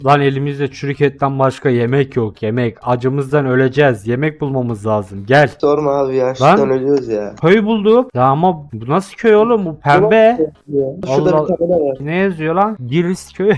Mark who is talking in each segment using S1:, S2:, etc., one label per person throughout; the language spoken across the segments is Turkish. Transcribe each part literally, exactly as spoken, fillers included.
S1: Lan elimizde çürük etten başka yemek yok, yemek. Acımızdan öleceğiz. Yemek bulmamız lazım. Gel.
S2: Sorma abi ya.
S1: Lan.
S2: Açlıktan ölüyoruz ya.
S1: Köy bulduk. Ya ama bu nasıl köy oğlum? Bu pembe.
S2: Şurada
S1: Allah-
S2: bir tabela var.
S1: Ne yazıyor lan? Giriz köyü.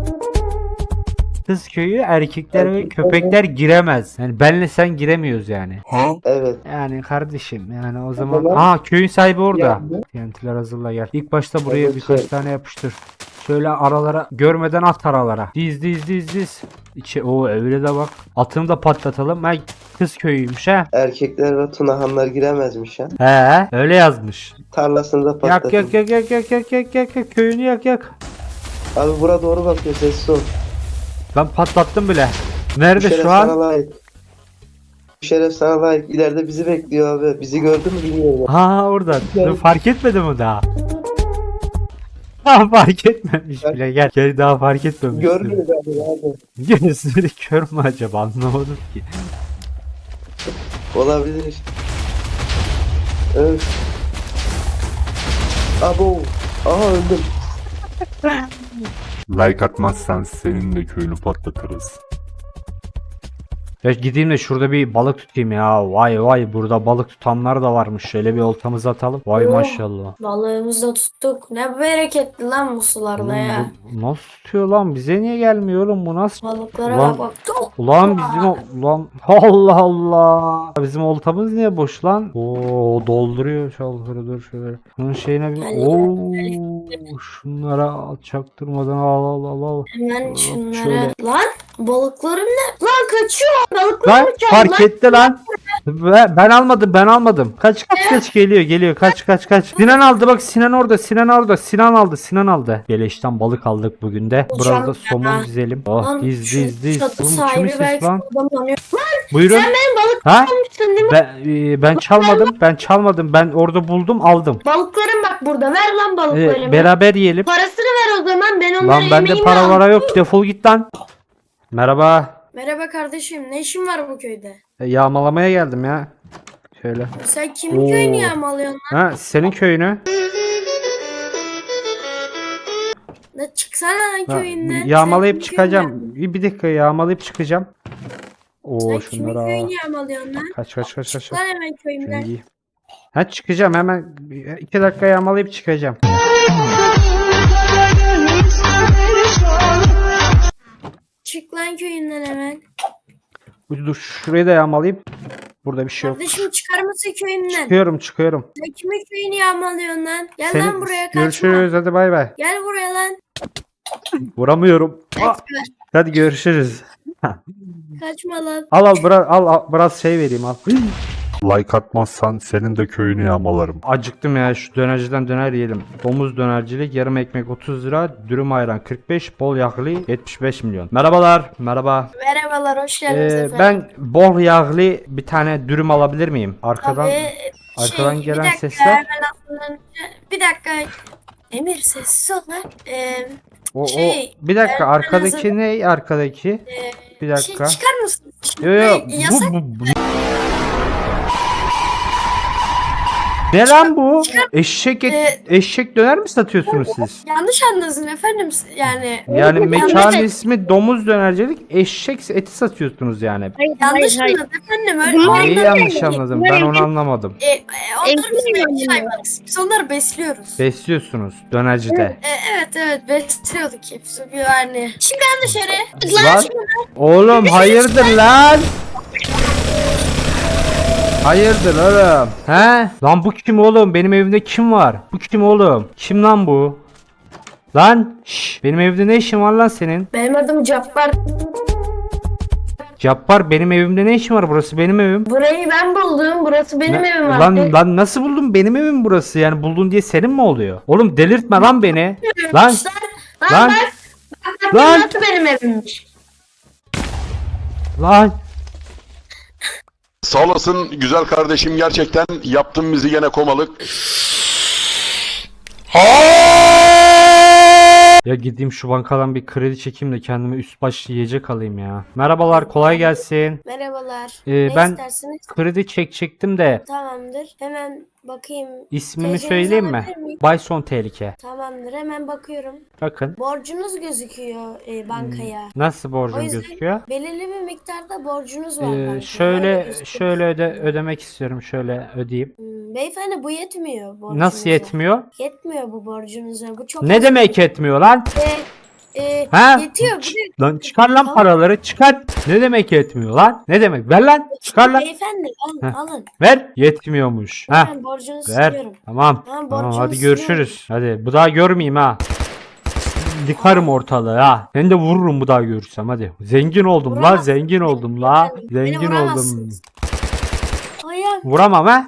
S1: Kız köyü erkekler ve
S2: Erkekler
S1: köpekler giremez. Yani benle sen giremiyoruz yani.
S2: Evet.
S1: Yani kardeşim yani o zaman.
S2: Tamam.
S1: Aa köyün sahibi orada.
S2: Yani.
S1: T N T'ler hazırla gel. İlk başta buraya
S2: Evet,
S1: birkaç
S2: şey.
S1: tane yapıştır. Şöyle aralara görmeden at aralara. Diz diz diz diz. İçe o öyle de bak. Atını da patlatalım. Ay kız köyüymüş ha.
S2: Erkekler ve tunahanlar giremezmiş ha.
S1: He öyle yazmış.
S2: Tarlasını da
S1: Yak
S2: patlatın.
S1: yak yak yak yak yak yak yak yak köyünü yak yak.
S2: Abi bura doğru bakıyor. Sessiz ol.
S1: Ben patlattım bile.
S2: Bu
S1: Nerede
S2: şeref
S1: şu
S2: sana
S1: an?
S2: layık. Bu şeref sana layık. İleride bizi bekliyor abi. Bizi gördü mü bilmiyorum.
S1: Ha orada.
S2: Gel.
S1: Dur, fark etmedi mi daha? Ha fark etmemiş
S2: Gel.
S1: bile. Gel. Gel daha fark etmemiş.
S2: Görmüyor galiba abi.
S1: Gözleri kör mü acaba anlamadım ki.
S2: Olabilir. Evet. Abo. Aha öldüm.
S3: Like atmazsan senin de köyünü patlatırız.
S1: Ya gideyim de şurada bir balık tutayım ya. Vay vay burada balık tutanlar da varmış. Şöyle bir oltamızı atalım. Vay
S4: Oh.
S1: maşallah.
S4: Balığımızı da tuttuk. Ne bereketli lan bu sularda
S1: Oğlum
S4: ya.
S1: bu nasıl tutuyor lan? Bize niye gelmiyor oğlum bu nasıl?
S4: Balıklara
S1: Ulan-
S4: da bak. Çok.
S1: Ulan bizim o- ulan Allah Allah. Bizim oltamız niye boş lan? Oo dolduruyor çalkırı dur şöyle. Bunun şeyine bir
S4: Gel,
S1: Oo şunlara al, çaktırmadan al al al al.
S4: Hemen
S1: Hop,
S4: şunlara.
S1: şöyle.
S4: Lan balıklarım ne? Lan kaçıyor. Balıklar
S1: Lan
S4: kaçıyor
S1: fark
S4: lan.
S1: etti lan. Ve- Ben almadım ben almadım. Kaç kaç kaç geliyor geliyor kaç kaç kaç. Sinan aldı bak Sinan orada Sinan orada Sinan aldı Sinan aldı. Beleşten balık aldık bugün de. Burada
S4: Hocam
S1: da somon
S4: ya.
S1: dizelim. Oh
S4: Lan
S1: diz
S4: şu
S1: diz diz.
S4: çatı
S1: Oğlum
S4: sahibi
S1: kimin sesi
S4: belki
S1: lan?
S4: adam tanıyor.
S1: Buyurun.
S4: Sen benim balık
S1: Ha?
S4: almışsın değil mi?
S1: Ben e, ben çalmadım. Ben çalmadım. Ben orada buldum, aldım.
S4: Balıklarım bak burada. Ver lan
S1: E,
S4: balıklarımı.
S1: beraber yiyelim.
S4: Parasını ver o zaman. Ben onları
S1: Lan bende
S4: yemeğimi
S1: para
S4: al.
S1: vara yok. Defol git lan. Merhaba.
S4: Merhaba kardeşim. Ne işin var bu köyde?
S1: E, yağmalamaya geldim ya. Şöyle.
S4: Sen kimin
S1: Oo.
S4: köyünü yağmalıyorsun lan?
S1: Ha senin köyünü.
S4: Ne çıksana lan
S1: Ha,
S4: köyünden. Sen
S1: yağmalayıp
S4: kimin
S1: çıkacağım. Bir, bir dakika yağmalayıp çıkacağım. Oo
S4: köyünden- Sen kimin
S1: şunları al.
S4: köyünü yağmalıyorsun lan?
S1: Kaç kaç kaç kaç.
S4: Çık lan hemen
S1: Şunu
S4: köyümden.
S1: giy. Ha çıkacağım hemen. iki dakika yağmalayıp çıkacağım.
S4: Çık lan köyünden hemen.
S1: Dur şurayı da yağmalayıp. Burada bir şey yok.
S4: Kardeşim çıkar mısın köyünden?
S1: Çıkıyorum çıkıyorum.
S4: Sen kimin köyünü yağmalıyorsun lan? Gel
S1: Seni
S4: lan buraya kaçma.
S1: görüşürüz hadi bay bay.
S4: Gel buraya lan.
S1: Vuramıyorum. Ah,
S4: Kaçma.
S1: hadi görüşürüz.
S4: Kaçma lan.
S1: Al al biraz al, al biraz şey vereyim al.
S3: Like atmazsan senin de köyünü yağmalarım.
S1: Acıktım ya şu dönerciden döner yiyelim. Domuz dönercilik yarım ekmek otuz lira, dürüm ayran kırk beş, bol yağlı yetmiş beş milyon. Merhabalar. Merhaba.
S4: Merhabalar hoş geldiniz
S1: Ee,
S4: efendim.
S1: ben bol yağlı bir tane dürüm alabilir miyim? Arkadan
S4: Tabii,
S1: arkadan
S4: şey,
S1: gelen
S4: bir dakika,
S1: sesler.
S4: hemen aklımdan önce- Bir dakika. Emir sessiz ol lan. Ee,
S1: o,
S4: şey,
S1: o bir dakika
S4: ben- ben
S1: arkadaki
S4: hazır-
S1: ne arkadaki?
S4: e,
S1: Bir
S4: şey,
S1: dakika.
S4: çıkar mısın?
S1: Yo yo
S4: Hey, yasak.
S1: bu, bu, bu. Ne lan bu? Eşek et,
S4: Ee,
S1: eşek döner mi satıyorsunuz siz?
S4: Yanlış anladın efendim. Yani
S1: Yani mekanın
S4: yanlış,
S1: ismi domuz dönercilik, eşek eti satıyorsunuz yani.
S4: yanlış anladın efendim. Öyle
S1: Neyi
S4: onları,
S1: yanlış anladım? Ben onu anlamadım.
S4: e, e, onları biz belki hayvanız. Biz onları besliyoruz.
S1: Besliyorsunuz dönercide.
S4: E, evet evet besliyorduk hepsi yani. Şimdi ben dışarı.
S1: Lan oğlum hayırdır lan? Hayırdır oğlum? He? Lan bu kim oğlum? Benim evimde kim var? Bu kim oğlum? Kim lan bu? Lan şş, benim evde ne işin var lan senin?
S4: Benim adım Cabbar.
S1: Cappar benim evimde ne işin var? Burası benim evim.
S4: Burayı ben buldum. Burası benim
S1: Ne-
S4: evim
S1: lan
S4: artık.
S1: lan nasıl buldun? Benim evim burası. Yani buldun diye senin mi oluyor? Oğlum delirtme lan beni. Lan
S4: Lan,
S1: lan
S4: lan, bak, bak,
S1: lan.
S4: Nasıl benim evimmiş?
S1: lan.
S5: Sağ olasın güzel kardeşim, gerçekten yaptın bizi gene komalık.
S1: Ya gideyim şu bankadan bir kredi çekeyim de kendime üst baş yiyecek alayım ya. Merhabalar, kolay gelsin.
S4: Merhabalar.
S1: Ee,
S4: ne
S1: ben
S4: istersiniz?
S1: kredi çekecektim de
S4: Tamamdır. Hemen bakayım.
S1: ismimi
S4: T C'nizi
S1: söyleyeyim mi?
S4: alabilir miyim?
S1: Bayson Tehlike.
S4: Tamamdır. Hemen bakıyorum.
S1: Bakın.
S4: Borcunuz gözüküyor e, bankaya.
S1: Nasıl
S4: O
S1: borcum
S4: yüzden
S1: gözüküyor?
S4: belirli bir miktarda borcunuz var
S1: Ee,
S4: bankaya. Öyle
S1: şöyle
S4: gözüküyor.
S1: şöyle öde ödemek istiyorum. Şöyle ödeyeyim.
S4: Hmm, beyefendi bu yetmiyor borcunuza.
S1: Nasıl yetmiyor?
S4: Yetmiyor bu borcunuza. Bu çok
S1: Ne
S4: az.
S1: demek yetmiyor lan?
S4: E, e,
S1: Ha?
S4: Yetiyor. Bir de
S1: Lan çıkar lan
S4: Tamam.
S1: paraları çıkar. Ne demek yetmiyor lan? Ne demek? Ver lan. Çıkar lan.
S4: beyefendi alın
S1: Heh.
S4: alın.
S1: Ver. Yetmiyormuş. Ha.
S4: Ben borcunuzu
S1: Ver.
S4: siliyorum.
S1: Tamam.
S4: Tamam,
S1: Tamam
S4: borcumu
S1: hadi
S4: siliyorum.
S1: görüşürüz. Hadi bu daha görmeyeyim ha. Yıkarım ortalığı ha. Ben de vururum bu daha görürsem hadi. Zengin oldum la,
S4: Vuramazsınız.
S1: zengin oldum la.
S4: Beni
S1: Zengin oldum.
S4: vuramazsınız. Ayağım.
S1: Vuramam ha.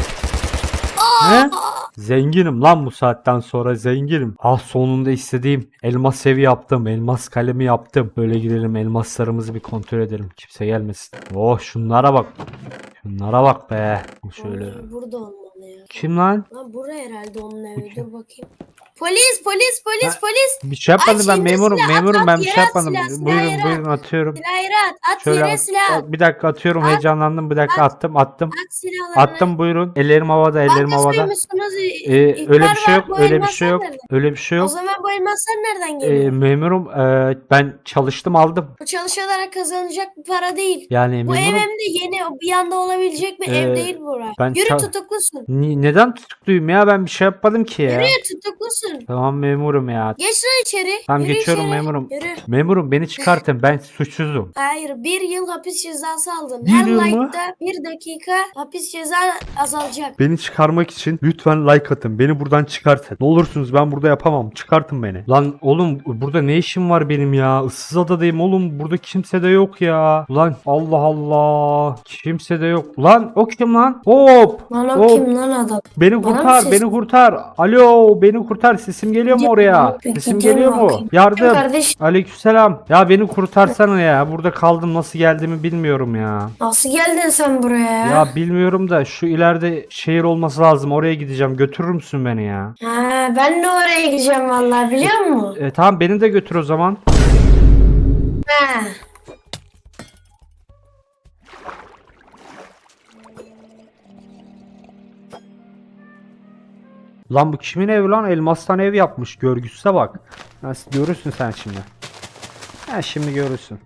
S1: He? Zenginim lan bu saatten sonra zenginim. Ah sonunda istediğim elmas evi yaptım. Elmas kalemi yaptım. Böyle gidelim elmaslarımızı bir kontrol edelim. Kimse gelmesin. Oh şunlara bak. Şunlara bak be. Şöyle.
S4: Ay, burada olmalı ya.
S1: Kim lan?
S4: Lan bura herhalde onun evi. Dur bakayım. Polis, polis, polis,
S1: Ha.
S4: polis.
S1: Bir şey yapmadım
S4: Aç,
S1: ben
S4: indir
S1: memurum.
S4: silah,
S1: Memurum
S4: at,
S1: ben bir
S4: yere
S1: şey
S4: at
S1: yapmadım.
S4: silah, silah
S1: Buyurun
S4: yere
S1: buyurun atıyorum.
S4: Silahları at. At
S1: Şöyle
S4: yere
S1: at-
S4: silah. At,
S1: bir dakika atıyorum
S4: At.
S1: heyecanlandım. Bir dakika attım attım.
S4: silahlarını.
S1: Attım buyurun. Ellerim havada ellerim havada.
S4: Atlasıymışsınız.
S1: Ee, öyle bir şey yok. Öyle bir şey yok. Öyle bir şey
S4: O
S1: yok.
S4: zaman bu elmaslar nereden
S1: Ee,
S4: geliyor?
S1: memurum e, ben çalıştım aldım.
S4: Bu çalışarak kazanacak bir para değil.
S1: Yani
S4: Bu ev
S1: memurum
S4: hem de yeni bir anda olabilecek bir
S1: Ee,
S4: ev değil bura.
S1: ben
S4: Yürü
S1: ça-
S4: tutuklusun.
S1: Ni- neden tutukluyum ya ben bir şey yapmadım ki ya.
S4: Yürü tutuklusun.
S1: Tamam memurum ya.
S4: Geç lan içeri.
S1: Tamam
S4: Yürü
S1: geçiyorum
S4: içeri.
S1: memurum.
S4: Yürü.
S1: Memurum beni çıkartın ben suçsuzum.
S4: Hayır, bir yıl hapis cezası aldın.
S1: Bir
S4: Her
S1: yıl mı?
S4: like'da bir dakika hapis ceza azalacak.
S3: Beni çıkarmak için lütfen like atın. Beni buradan çıkartın. Ne olursunuz ben burada yapamam. Çıkartın beni.
S1: Lan oğlum burada ne işim var benim ya? Issız adadayım oğlum. Burada kimse de yok ya. Lan Allah Allah. Kimse de yok. Lan o kim lan? Hop.
S4: Lan
S1: Hop.
S4: o kim lan adam?
S1: Beni
S4: Bana mı
S1: kurtar,
S4: ses-
S1: beni kurtar. Alo, beni kurtar. Sesim geliyor mu oraya?
S4: Peki,
S1: Sesim
S4: gidelim
S1: geliyor mu?
S4: bakayım.
S1: Yardım.
S4: Kardeş
S1: Aleykümselam. Ya beni kurtarsana ya. Burada kaldım. Nasıl geldiğimi bilmiyorum ya.
S4: nasıl geldin sen buraya ya?
S1: Ya bilmiyorum da şu ileride şehir olması lazım. Oraya gideceğim. Götürür müsün beni ya?
S4: Ha, ben de oraya gideceğim vallahi biliyor musun?
S1: E, tamam beni de götür o zaman.
S4: Ha.
S1: Lan bu kimin evi lan? Elmastan ev yapmış. Görgüsüze bak. Nasıl görürsün sen şimdi? Ha şimdi görürsün.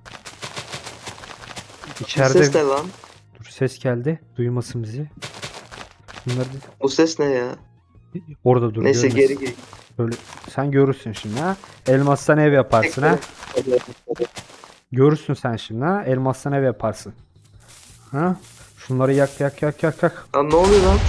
S1: İçeride
S2: Bu ses ne lan?
S1: dur ses geldi. Duymasın bizi. Bunları da-
S2: Bu ses ne ya?
S1: orada dur.
S2: Neyse
S1: görmesin.
S2: geri geri.
S1: Böyle sen görürsün şimdi ha. Elmastan ev yaparsın ha. Görürsün sen şimdi ha. Elmastan ev yaparsın. Ha? Şunları yak yak yak yak yak.
S2: Lan ne oluyor lan?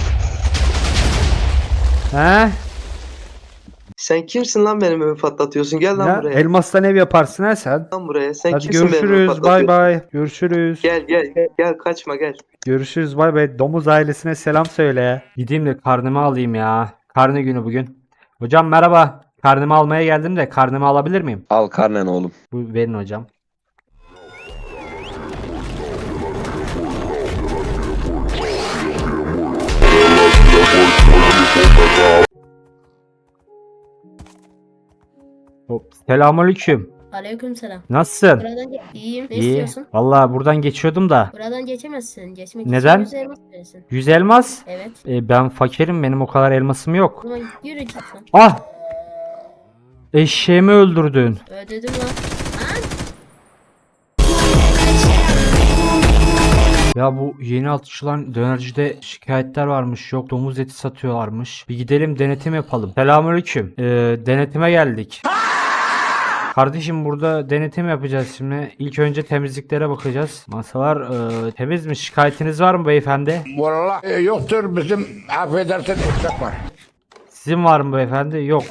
S1: He?
S2: Sen kimsin lan benim evimi patlatıyorsun? Gel lan
S1: Ya,
S2: buraya.
S1: elmastan ev yaparsın ha sen.
S2: Lan buraya. Sen
S1: Hadi
S2: kimsin benim evimi
S1: görüşürüz. Bay
S2: patlatıyorsun?
S1: bay. Görüşürüz.
S2: Gel gel gel gel kaçma gel.
S1: Görüşürüz. Bay bay. Domuz ailesine selam söyle. Gideyim de karnımı alayım ya. Karne günü bugün. Hocam merhaba. Karnımı almaya geldim de karnımı alabilir miyim?
S6: Al karnen oğlum.
S1: Bu verin hocam. Hop. Selamünaleyküm.
S7: Aleykümselam.
S1: Nasılsın?
S7: Buradan ge- iyiyim. Ne
S1: İyi.
S7: istiyorsun?
S1: Vallahi buradan geçiyordum da.
S7: Buradan geçemezsin. Geçmek
S1: Neden?
S7: için yüz elmas verirsin.
S1: yüz elmas.
S7: Evet.
S1: E, ben fakirim. Benim o kadar elmasım
S7: O
S1: yok.
S7: zaman yürü git lan.
S1: Ah! Eşeğimi öldürdün.
S7: Ödedim lan.
S1: Ya bu yeni açılan dönercide şikayetler varmış. Yok domuz eti satıyorlarmış. Bir gidelim denetim yapalım. Selamünaleyküm. Ee, denetime geldik. Kardeşim burada denetim yapacağız şimdi. İlk önce temizliklere bakacağız. Masalar e, temiz mi? Şikayetiniz var mı beyefendi?
S8: Vallahi e, yoktur bizim affedersin ıslak var.
S1: Sizin var mı beyefendi? Yok.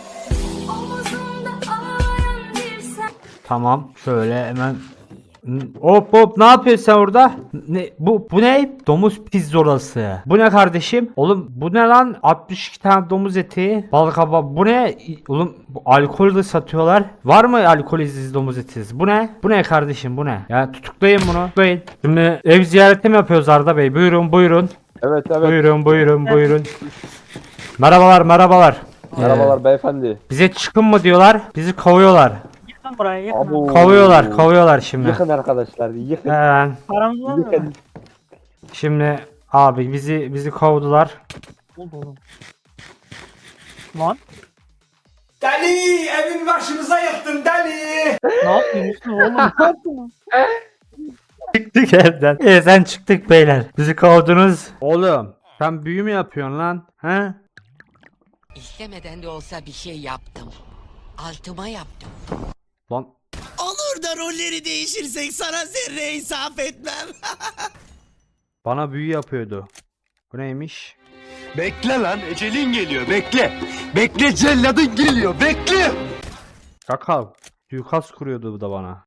S1: Tamam. Şöyle hemen. Hop hop ne yapıyorsun sen orada? Ne bu bu ne? Domuz pizzolası. Bu ne kardeşim? Oğlum bu ne lan? altmış iki tane domuz eti. Balık kaba. Bu ne? Oğlum bu alkol de satıyorlar. Var mı alkolizsiz domuz etiz? Bu ne? Bu ne kardeşim? Bu ne? Ya tutuklayın bunu. Tutuklayın. Şimdi ev ziyareti mi yapıyoruz Arda Bey? Buyurun buyurun.
S6: Evet evet.
S1: Buyurun buyurun buyurun. Merhabalar merhabalar.
S6: Merhabalar beyefendi.
S1: Bize çıkın mı diyorlar. Bizi kovuyorlar.
S9: Yıkın burayı yıkın.
S6: Abo.
S1: Kovuyorlar, kovuyorlar şimdi.
S6: Yıkın arkadaşlar yıkın.
S1: Hemen.
S9: Paramız var mı?
S6: Yıkın.
S1: Şimdi abi bizi bizi kovdular.
S9: Oldu oğlum. Lan
S10: Deli evin başımıza yıktın deli.
S9: ne yapıyorsun oğlum? Ne yaptın lan?
S1: Çıktık evden. E sen çıktık beyler. Bizi kovdunuz.
S3: Oğlum sen büyü mü yapıyorsun lan? He?
S11: İstemeden de olsa bir şey yaptım. Altıma yaptım.
S3: Lan
S10: Olur da rolleri değişirsek sana zerre insaf etmem.
S3: bana büyü yapıyordu. Bu neymiş?
S10: Bekle lan ecelin geliyor bekle. Bekle celladın geliyor bekle.
S3: Kakal. Suikast kuruyordu bu da bana.